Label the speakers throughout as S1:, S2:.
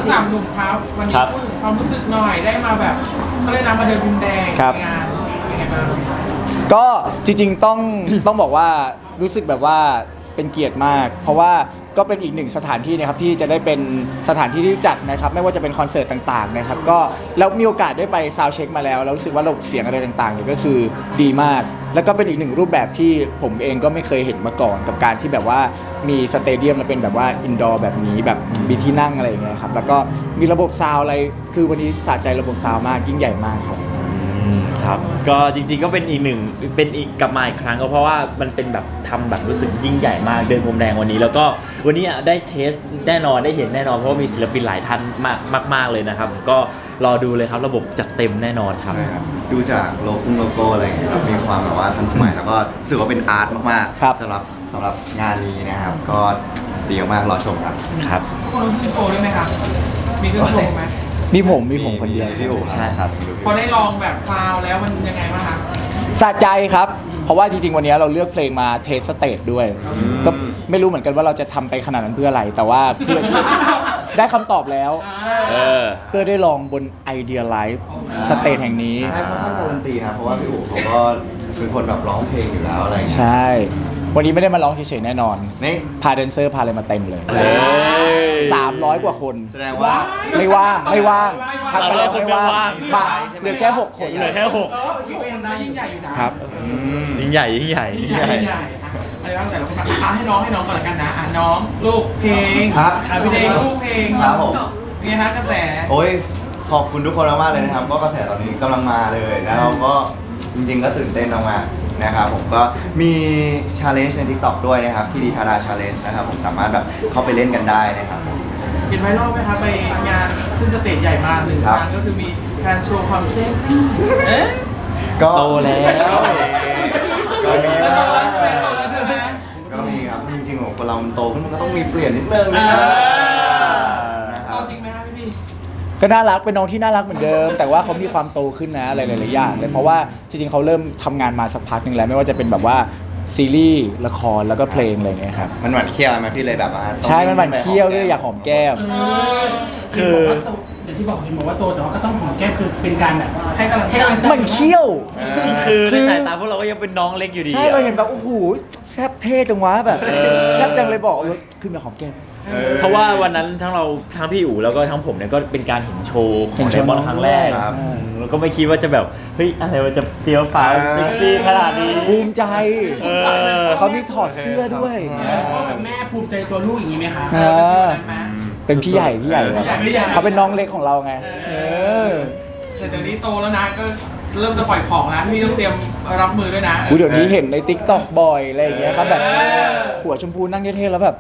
S1: สามหนุ่มครับวันนี้พูดถึงความรู้สึกหน่อยได้มาแบบเขาเรียกนะมาเดินพรมแดงในงานเป็นไงบ้าง
S2: ก็จริงๆต้องบอกว่ารู้สึกแบบว่าเป็นเกียรติมาก เพราะว่าก็เป็นอีกหนึ่งสถานที่นะครับที่จะได้เป็นสถานที่ที่จัดนะครับไม่ว่าจะเป็นคอนเสิร์ตต่างๆนะครับก็แล้วมีโอกาสได้ไปซาวด์เช็คมาแล้วรู้สึกว่าระบบเสียงอะไรต่างๆเนี่ยก็คือดีมาก แล้วก็เป็นอีกหนึ่งรูปแบบที่ผมเองก็ไม่เคยเห็นมาก่อนกับการที่แบบว่ามีสเตเดียมแล้วเป็นแบบว่าอินดอร์แบบนี้แบบมีที่นั่งอะไรอย่างเงี้ยครับแล้วก็มีระบบซาวด์อะไรคือวันนี้สะใจระบบซาวด์มากยิ่งใหญ่มากครับ
S3: ครับก็จริงๆก็เป็นอีกกลับมาอีกครั้งก็เพราะว่ามันเป็นแบบทำแบบรู้สึกยิ่งใหญ่มากเดินพรมแดงวันนี้แล้วก็วันนี้ได้เทสแน่นอนได้เห็นแน่นอนเพราะว่ามีศิลปินหลายท่านมากเลยนะครับก็รอดูเลยครับระบบจัดเต็มแน่นอนครับ
S4: ดูจากโลโก้อะไรอย่างเงี้ยครับมีความแบบว่าทันสมัยแล้วก็รู้สึกว่าเป็นอาร์ตมากๆสำหรับงานนี้นะครับก็ดีมากรอชมครับ
S3: ครับ
S1: ทุกคนรู้สึกโชว์ด้วยไหมครับมีขึ้นโชว์ไหม
S2: มีผมคนเดียว
S3: ใช่ครับ
S1: พอได้ลองแบบซาวแล้วมันยังไงบ้างคะ
S2: สะใจครับเพราะว่าจริงๆวันนี้เราเลือกเพลงมาเทสสเตจด้วยก็ไม่รู้เหมือนกันว่าเราจะทำไปขนาดนั้นเพื่ออะไรแต่ว่าเพื่อได้คำตอบแล้วเพื่อได้ลองบน Idea Live สเตจแห่งนี้
S4: ให้ค่อนข้างการันตีนะเพราะว่าพี่อู๋เขาก็เป็นคนแบบร้องเพลงอยู่แล้วอะไร
S2: ใช่วันนี้ไม่ได้มาร้องเฉยๆแน่นอน
S4: นี่
S2: พาแดนเซอร์พาอะไรมาเต็มเลย300 กว่าคน
S4: แสดงว่า
S2: ไม่ว่างทำอะไรไม่ว่างมาเหลือแค่6 คน
S3: เหลือแค่6
S1: ยิ่งใหญ่อยู่นะครับ
S3: ยิ่งใหญ่
S1: อะไรบ้างแต่ละคนให้น้องก่อนละกันนะน้องลูกเพลงพี่เด้งลูกเพลง
S4: ครับผม
S1: เป็นไงคะกระแส
S4: โอ้ยขอบคุณทุกคนมากๆเลยนะครับก็กระแสตอนนี้กำลังมาเลยแล้วก็จริงๆก็ตื่นเต้นมากๆนะครับผมก็มีชาเลนจ์ใน TikTok ด้วยนะครับที่ดีทาราชาเลนจ์นะครับผมสามารถแบบเข้าไปเล่นกันได้นะครับ
S1: เห็นไวรัลไหมคะไปงานขึ้นสเตจใหญ่มาก1 ครั้งก็คือมีการโชว์ความเซ็กซี่
S4: ก็
S3: โตแล้ว
S4: ก็มีนะก็มีครับจริงๆของคนเรามันโตขึ้นมันก็ต้องมีเปลี่ยนนิดนึงนะครับ
S1: จริงไหมครับพี่
S2: ก็น่ารักเป็นน้องที่น่ารักเหมือนเดิมแต่ว่าเขามีความโตขึ้นนะอะไรหลายๆอย่างเลยเพราะว่าจริงๆเขาเริ่มทำงานมาสักพักหนึ่งแล้วไม่ว่าจะเป็นแบบว่าซีรีส์ละครแล้วก็เพลงอะไรอย่างเงี้ยครับ
S4: มันหวานเคี้ยวไหมพี่เลยแบบว่า
S2: ใช่มันหวานเคี้ยวด้วยอยากหอมแก้ม
S5: คืออย่างที่บอกว่าโตแต่ว่าก็ต้องหอมแก้มคือเป็นการแบบให้กำลังใจ
S2: มันเคี้ยว
S3: คือในสายตาพวกเราก็ยังเป็นน้องเล็กอยู่ดี
S2: ใช่เราเห็นแบบโอ้โหแซ่บเท่จังวะแบบแซ่บจังเลยบอกขึ้นมาหอมแก้ม
S3: เพราะว่าวันนั้นทั้งพี่อู๋แล้วก็ทั้งผมเนี่ยก็เป็นการเห็นโชว์ของไดมอนด์ครั้งแรกแล้วก็ไม่คิดว่าจะแบบเฮ้ยอะไรมันจะเฟี้ยวฟ้าวเซ็กซี่ขนาดนี้
S2: ภูมิใจเขามีถอดเสื้อด้วย
S5: พ่อกับแม่ภูมิใจตัวลูกอย่างนี้ไหมคะ
S2: เป็นพี่ใหญ่เขาเป็นน้องเล็กของเราไง
S1: แต่เดี๋ยวนี้โตแล้วนะก็เริ่มจะปล่อยของแล้วพี่ต้องเตรียมรับมือด้วยนะ
S2: เดี๋ยวนี้เห็นใน TikTok บ่อยอะไรอย่างเงี้ยครับแบบหัวชมพูนั่งเท่ๆแล้วแบบ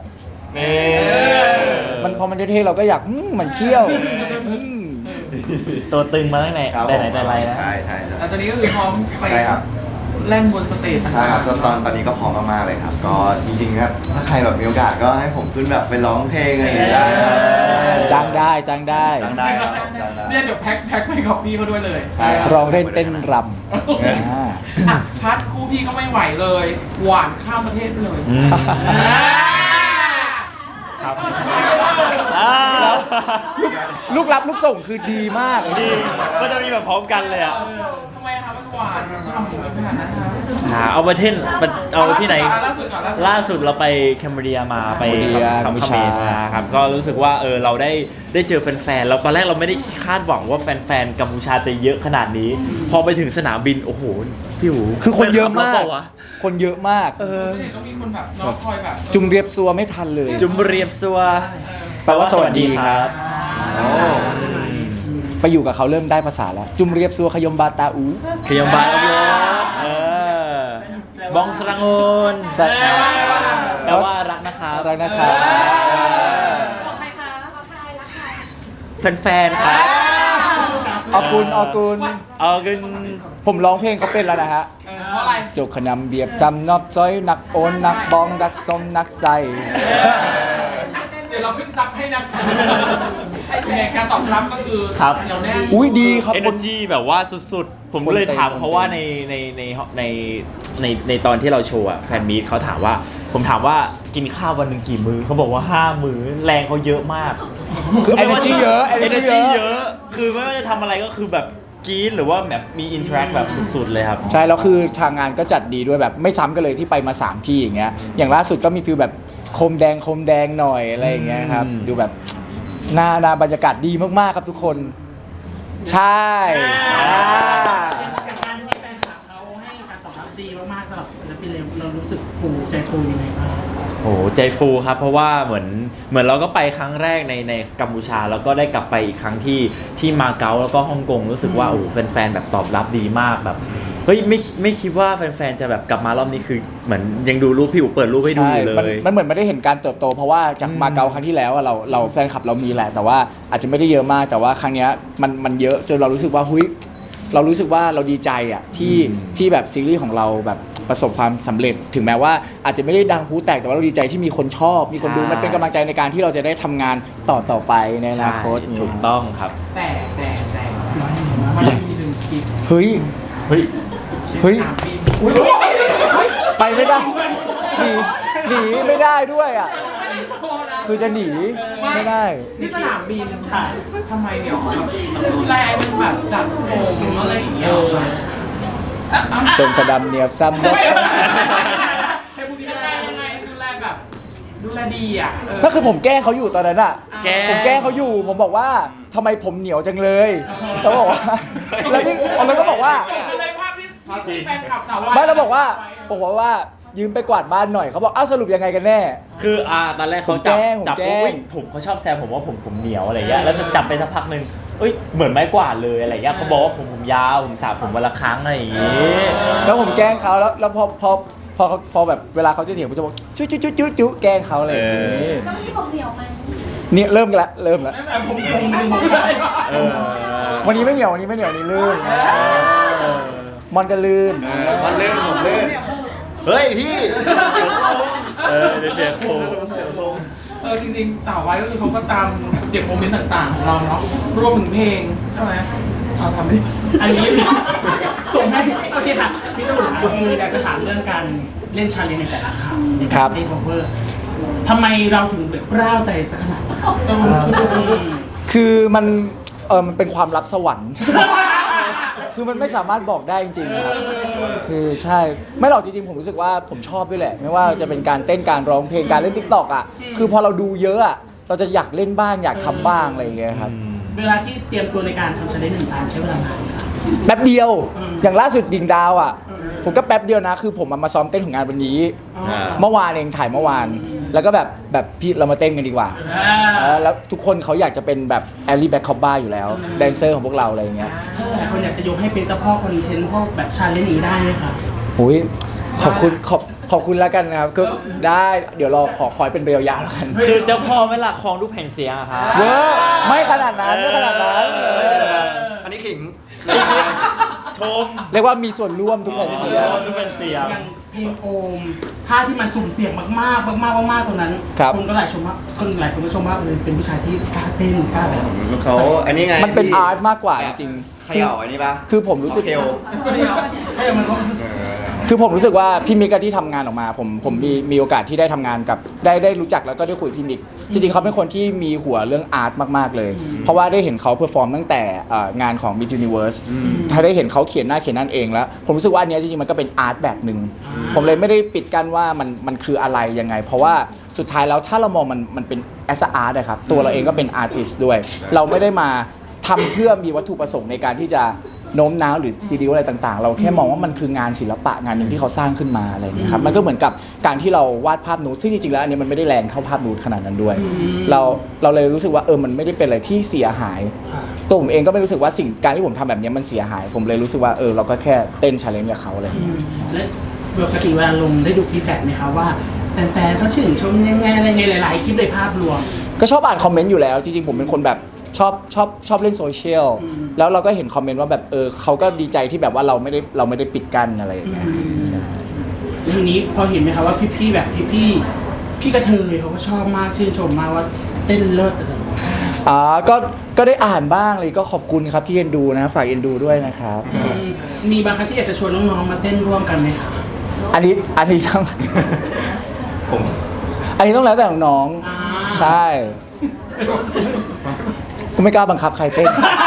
S2: มันพอมันเท่ๆเราก็อยากมันเคี้ยว
S3: ตัวตึงมาตั้งแต่ไหนแต่ไรนะ
S4: ใช่
S1: แล้วตอนนี้ก็คือพร้อมไปเล่นบนสเตจ
S4: ใช่ครับตอนนี้ก็พร้อมมากๆเลยครับก็จริงๆครับถ้าใครแบบมีโอกาสก็ให้ผมขึ้นแบบไปร้องเพลงอะไรอย่างเงี้ย
S2: จ้างได้
S4: ครับ
S1: เนี่ยเดี๋ยวแพ็คไปกับพี่เขาด้วยเลย
S2: ร้องเล่นเต้นร
S1: ำพัดคู่พี่ก็ไม่ไหวเลยหวานข้ามประเทศไปเลย
S3: ครับ
S2: ลูกรับลูกส่งคือดีมาก
S3: ดีก็จะมีแบบพร้อมกันเลยอ่ะ
S1: ทำไมคะมันหวานฉ่ำขนาดนั้นคะ
S3: เอาประเทศเอาที่ไหนล่าสุดเราไปแคมเบรียมาไปคาเมนมาครับก็รู้สึกว่าเราได้เจอแฟนๆแล้วตอนแรกเราไม่ได้คาดหวังว่าแฟนๆกัมพูชาจะเยอะขนาดนี้พอไปถึงสนามบินโอ้โหพี่หู
S2: คือคนเยอะมากคนเยอะมาก
S1: ต้องมีคนแบบน้องคอยแบบ
S2: จุ่มเรียบซัวไม่ทันเลย
S3: จุ่มเรียบซัว
S2: แปลว่าสวัสดีครับไปอยู่กับเขาเริ่มได้ภาษาแล้วจุ่มเรียบซัวขยมบาตาอู
S3: ขยมบาตาอูบองสรังโอนแปลว่ารักนะคะ
S2: รักนะคะ
S6: บอกใครคะบอกใครรักใคร
S3: แฟนๆครับ
S2: ออกุลผมร้องเพลงเขาเป็นแล้วนะฮะ
S1: เพราะอะไร
S2: โจกขนำเบียบจำนอบจ้อยนักโอนนักบองนักซมนักใจ
S1: เดี๋ยวเราขึ้นซับให้นะการตอบรับก็คือเดี๋ยวแน่
S2: อุ้ยดีครับ
S3: energy แบบว่าสุดๆผมก็เลยถามเพราะว่าในตอนที่เราโชว์อะแฟนมีตเขาถามว่าผมถามว่ากินข้าววันหนึ่งกี่มื้อเขาบอกว่า5 มื้อแรงเขาเยอะมาก
S2: คือ energy เยอะ energy
S3: energy
S2: เย
S3: เย
S2: อะ
S3: อะ คือไม่ว่าจะทำอะไรก็คือแบบกรี๊ดหรือว่าแบบมี interact แบบสุดๆเลยครับ
S2: ใช่แล้วคือทางงานก็จัดดีด้วยแบบไม่ซ้ำกันเลยที่ไปมา 3 ที่อย่างเงี้ยอย่างล่าสุดก็มีฟิลแบบโคมแดงหน่อยอะไรอย่างเงี้ยครับดูแบบหน้าบรรยากาศดีมากๆครับทุกคน ใช่อ่า
S5: จากการที่แฟนคลับเขาให้การตอบรับดีมากๆสำหรับศิลปินเรารู้สึกฟูใจฟูยังไงบ้าง
S3: โอ้โหใจฟูครับเพราะว่าเหมือนเราก็ไปครั้งแรกในกัมพูชาแล้วก็ได้กลับไปอีกครั้งที่มาเก๊าแล้วก็ฮ่องกงรู้สึกว่าโอ้โหแฟนๆแบบตอบรับดีมากแบบเฮ้ยไม่คิดว่าแฟนๆจะแบบกลับมารอบนี้คือเหมือนยังดูรูปพี่อู๋เปิดรูปให้ดู
S2: ใช่
S3: อยู่เล
S2: มัน
S3: ย
S2: เหมือนไม่ได้เห็นการเติบโต เพราะว่าจากมาเก๊าครั้งที่แล้วอะเราแฟนคลับเรามีแหละ แต่ว่าอาจจะไม่ได้เยอะมากแต่ว่าครั้งเนี้ยมันเยอะจนเรารู้สึกว่าเรารู้สึกว่าเราดีใจอ่ะที่แบบซีรีส์ของเราแบบประสบความสำเร็จ ถึงแม้ว่าอาจจะไม่ได้ดังพูแตกแต่ว่าเราดีใจที่มีคนชอบมีคนดู
S3: ใช่
S2: มันเป็นกำลังใจในการที่เราจะได้ทำงานต่อไปในอนาคต
S3: ใช่ถูกต้องครับ
S1: แต่มันมีหนึ่งคลิป
S2: เฮ้ย
S3: เฮ้ย
S2: เฮ้ย
S1: สนามบิน
S2: ไปไม่ได้หนีไม่ได้ด้วยอ่ะคือจะหนีไม่ได้
S1: ที่สนามบินค่ะทำไมเนี่ยดูแลมันแบบจัดผมอะไรอย่างเงี้ย
S2: จนจะดำเนียบซ้ำ
S1: ใช่พูดดีไม่ได้ยังไงดูแลแบบดูแลดีอ่ะ
S2: นั่นคือผมแกล้งเขาอยู่ตอนนั้นอ่ะ
S3: แกล้ง
S2: ผมแกล้งเขาอยู่ผมบอกว่าทำไมผมเหนียวจังเลยเขาบอกว่าแล้วพี่แล้วก็บอกว่า
S1: เป็นเลยภาพที่แฟนคลับสาว
S2: ไม่เราบอกว่ายืมไปกวาดบ้านหน่อยเขาบอกอ้าวสรุปยังไงกันแน่
S3: คือตอนแรกเขา
S2: ผมแกล้ง
S3: จับ
S2: ผมแกล้
S3: ปุ๊บ
S2: ง
S3: ผมเขาชอบแซวผมว่าผมเหนียวอะไรเงี้ยแล้วจับไปสักพักหนึ่งเอ้ยเหมือนไม้กวาดเลยอะไรเงี้ยเขาบอกว่าผมยาวผมสระผมวันละครั้งอะไรอย่างงี้
S2: แล้วผมแกล้งเขาแล้วพอแบบเวลาเขาจะเถียงผมจะบอกจุ๊แกล้งเขาอะไรอย่างงี้
S6: แล้วที่บอกเหนียวไหม
S2: เนี่ยเริ่มละเริ่มละ
S1: ผมไม่ได้
S3: เออ
S2: วันนี้ไม่เหนียววันนี้ลื่นมอนก็ลื่น
S4: มันลื่นผมลื่นเฮ้ยพี่
S3: เดี๋ยวเสียโค
S1: จริงๆสาวไว้ก็คือเขาก็ตามเก็บโมเมนต์ต่างๆของเราเนาะรวมถึงเพลงใช่ไหมเอาทำดิ
S5: อันนี้ส่งให้โอเคค่ะพี่ตู่ค่ะคืออยากจะถามเรื่องการเล่นชาเลนจ์ในแต่ละคำในการเล่น cover ทำไมเราถึงแบบร่าวใจสักขนาดนั้น
S2: คือมันเป็นความลับสวรรค์ คือมันไม่สามารถบอกได้จริงๆครับคือใช่ไม่หรอกจริงๆผมรู้สึกว่าผมชอบด้วยแหละ ไม่ว่าจะเป็นการเต้นการร้องเพลงการเล่น TikTok อ่ะคือพอเราดูเยอะอ่ะเราจะอยากเล่นบ้างอยากทำบ้างอะไรอย่างเงี้ยครับ
S5: เวลาที่เตรียมตัวในการทำชาเลนจ์หนึ่งครั้งใช้เวลานานไหมคะ
S2: แป๊บเดียวอย่างล่าสุดดิ่งดาวอ่ะผมก็แป๊บเดียวนะคือผมมาซ้อมเต้นของงานวันนี้ เมื่อวานเองถ่ายเมื่อวาน แล้วก็แบบพี่เรามาเต้นกันดีกว่าแล้วทุกคนเขาอยากจะเป็นแบบแอลลี่แบ็คคอบบ้าอยู่แล้วแดนเซอร์ของพวกเราอะไรอย่างเงี้ย
S5: หลายคนอยากจะยกให้เป็นเจ้าพ่อคอนเทนต์พวกแบบชาเลนจ์นี้ได้ไหมคะ
S2: อุ้ยขอบคุณแล้วกันนะครับก็ได้เดี๋ยวเราขอให้เป็นไปยาวๆแล้วกัน
S3: คือเจ้าพ่อไม่ละครองทุกแผ่นเสียงอะครับ
S2: เวอร์ไม่ขนาดนั้นไม่ขนาดนั้น
S4: อันนี้ขิง
S3: ชม
S2: เรียกว่ามีส่วนร่วมทุกแผ่นเสียง
S3: ทุกแผ่นเสียง
S5: อย่างเพลงโอมท่าที่มันสุ่มเสี่ยงมากๆมากๆตรงนั้น
S2: ครับ
S5: คนก็หลายคนก็ชมว่าเป็นผู้ชายที่กล้าเต้นกล้าแบบ
S4: เขาอันนี้ไง
S2: มันเป็นอาร์ตมากกว่าจริง
S4: เขย่าอันนี้ปะ
S2: คือผมรู้สึก
S4: เคล
S5: ให้มันก็
S2: คือผมรู้สึกว่าพี่มิกอะที่ทำงานออกมาผมมีโอกาสที่ได้ทำงานกับได้รู้จักแล้วก็ได้คุยกับพี่มิกจริงๆเขาเป็นคนที่มีหัวเรื่องอาร์ตมากๆเลย เพราะว่าได้เห็นเขาเพอร์ฟอร์มตั้งแต่งานของ Miss Universe ถ้าได้เห็นเขาเขียนนั่นเองแล้ว ผมรู้สึกว่าอันเนี้ยจริงๆมันก็เป็นอาร์ตแบบหนึ่งผมเลยไม่ได้ปิดกั้นว่ามันคืออะไรยังไง เพราะว่าสุดท้ายแล้วถ้าเรามองมันเป็น as a art นะครับตัวเราเองก็เป็นอาร์ติสต์ด้วย เราไม่ได้มาทำเพื่อมีวัตถุประสงค์ในการที่จะโน้มน้าวหรือซีดีอะไรต่างๆ เราแค่มองว่ามันคืองานศิลปะงานหนึ่งที่เขาสร้างขึ้นมาอะไรอย่างเงี้ยครับมันก็เหมือนกับการที่เราวาดภาพนูดซึ่งจริงๆแล้วอันนี้มันไม่ได้แรงเท่าภาพนูดขนาดนั้นด้วย เราเลยรู้สึกว่ามันไม่ได้เป็นอะไรที่เสียหายตัวผมเองก็ไม่รู้สึกว่าสิ่งการที่ผมทำแบบนี้มันเสียหาย ผมเลยรู้สึกว่าเราก็แค่เต้นชาเลนจ์กับเขาอะไรอย่างเงี้ย
S5: และปกติเวลาลงได้ดูฟีดแบ็กไหมคะว่าแฟนๆเขาชื่นชมยังไงอะไรไงหลายๆคลิปในภาพรวม
S2: ก็ชอบอ่านคอมเมนต์อยู่แล้วจริงๆผมเป็นคนแบบชอบเล่นโซเชียลแล้วเราก็เห็นคอมเมนต์ว่าแบบเขาก็ดีใจที่แบบว่าเราไม่ได้ปิดกั้นอะไรอย่างเงี้ย
S5: ทีนี้พอเห็นไหมคะว่าพี่ๆแบบพี่กระเทยเขาก็ชอบมากชื่นชมมากว่าเต้นเลิศอะไรอย่างเงี้ย
S2: ก็ได้อ่านบ้างเลยก็ขอบคุณครับที่เอ็นดูนะฝากเอ็นดูด้วยนะครับ
S5: มีบางครั้งที่อยากจะชวนน้องๆมาเต้นร่วมกันไหมคะ
S2: อันนี้ต้อง
S4: ผม
S2: อันนี้ต้องแล้วแต่น้อง
S5: อ่า
S2: ๆใช่กูไม่กล้าบังคับใครเต้น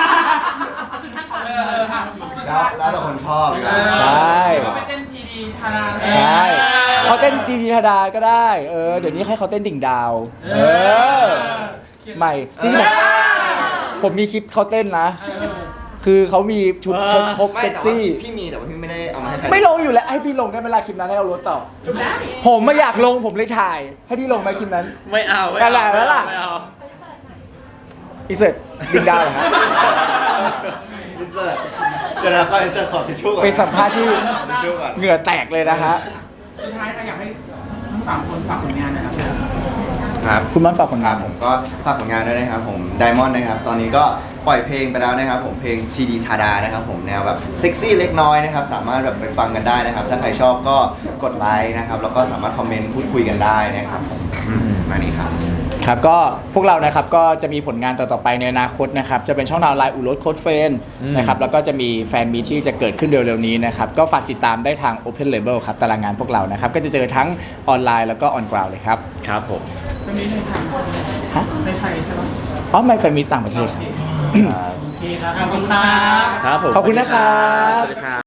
S1: ค่ะ
S4: แล้วแต่คนชอบดีกว่า
S2: ใช่
S1: ก็ไปเต้นทีดีทารา
S2: ใช่เขาเต้นดีธาดาก็ได้เดี๋ยวนี้ให้เขาเต้นดิ่งดาวใหม่จริงๆผมมีคลิปเขาเต้นนะ คือเขามีชุดเชิ้ตครบ
S4: ไม่
S2: เซ็ก
S4: แต่ว่า
S2: ซี่
S4: พี่มีแต่ว่าพี่ไม่ได้เอามาให้ใคร
S2: ไม่ลงอยู่แล้วให้พี่ลงได้เวลาคลิปนั้นให้เอารถต่อ ผมไม่อยากลงผมเลยถ่าย ให้พี่ลงไหมคลิปนั้น
S3: ไม่เอา
S2: อะไรวะล่ะ
S3: ไม่เอา
S2: อีเสร็จดิ่งดาวเหรอฮะ
S4: อินเสิร์ตเดี๋ยวนะขออินเสิร์ตขอทิชชู่ก่อน
S2: เป็นสัมภาษณ์ที่
S4: ทิชชู่ก่อน
S2: เหงื่อแตกเลยนะฮะ
S1: สุดท้ายค่ะอยากให้ทั้ง3 คนฝากผลงานหนะครับ
S4: ครับ
S2: คุณมันฝากผล
S4: ครั
S2: งา
S4: บ
S2: น
S4: ผมก็ฝากผลงานด้วยนะครับผมไดมอนด์นะครับ ตอนนี้ก็ปล่อยเพลงไปแล้วนะครับผมเพลงซีดีชาดานะครับผมแนวแบบเซ็กซี่เล็กน้อยนะครับสามารถแบบไปฟังกันได้นะครับ ถ้าใครชอบก็กดไลค์นะครับแล้วก็สามารถคอมเมนต์พูดคุยกันได้นะครับผมมานี่ครับ
S2: ครับก็พวกเรานะครับก็จะมีผลงานต่อๆไปในอนาคตนะครับจะเป็นช่องทางไลน์อุรสโค้ดเฟนนะครับแล้วก็จะมีแฟนมีตที่จะเกิดขึ้นเร็วๆนี้นะครับก็ฝากติดตามได้ทาง Open Label ครับตารางงานพวกเรานะครับก็จะเจอทั้งออนไลน์แล้วก็ออนกราวเลยครับ
S3: ครับผม
S1: เป็นมีในทาง
S2: ฮะ
S1: ในไทยใช่ไหม
S2: อ๋อไม่แฟนมีตต่างประเทศครับ
S5: โอเคครับ
S1: ขอบคุณครับ
S3: ครับผม
S2: ขอบคุณนะครับ
S3: สวัสดีครับ